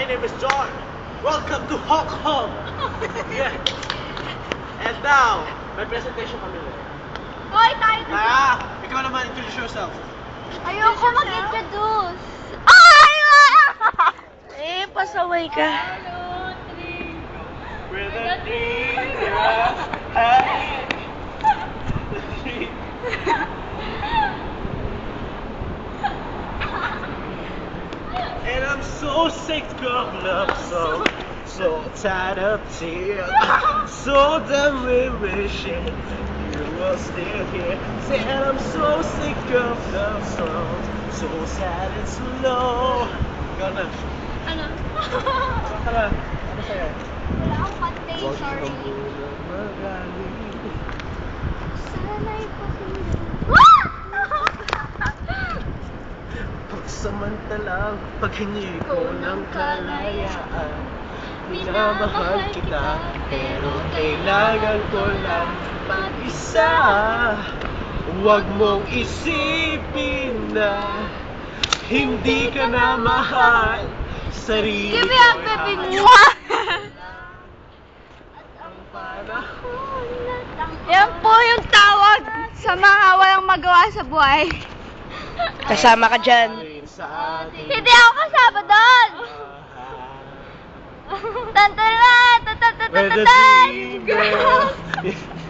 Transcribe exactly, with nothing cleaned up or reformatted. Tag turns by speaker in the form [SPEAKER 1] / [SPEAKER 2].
[SPEAKER 1] name is John. Welcome to Hong Kong. Yeah. And now, may presentation kami ulit.
[SPEAKER 2] Hoy, tayo dito.
[SPEAKER 1] Ah, ikaw naman, introduce yourself.
[SPEAKER 2] Ayoko mag-introduce. Ay!
[SPEAKER 3] Eh, pasaway ka.
[SPEAKER 1] With a dream, yeah. And I'm so sick of love songs, so tired of tears, so done with wishing you were still here. Say, and I'm so sick of love songs, so sad and slow. Ikaw na.
[SPEAKER 2] Ano?
[SPEAKER 1] Ano ka na? Ano sa'yo?
[SPEAKER 2] Wala akong pantay, sorry.
[SPEAKER 1] Huwag ka muna magaling.
[SPEAKER 2] Sana'y pakinggan.
[SPEAKER 1] Pagsamantalang paghingi ko ng kalayaan, minamahal kita, pero kailangan ko lang mag-isa. Huwag mong isipin na hindi ka na mahal, sarili
[SPEAKER 2] Give me
[SPEAKER 1] ko
[SPEAKER 2] a baby mo. Yan po yung tawag sa mga walang magawa sa buhay.
[SPEAKER 3] Kasama ka dyan.
[SPEAKER 2] Hindi ako kasama doon. Tantalan!
[SPEAKER 1] Where the
[SPEAKER 2] Tantalan!
[SPEAKER 1] dream goes.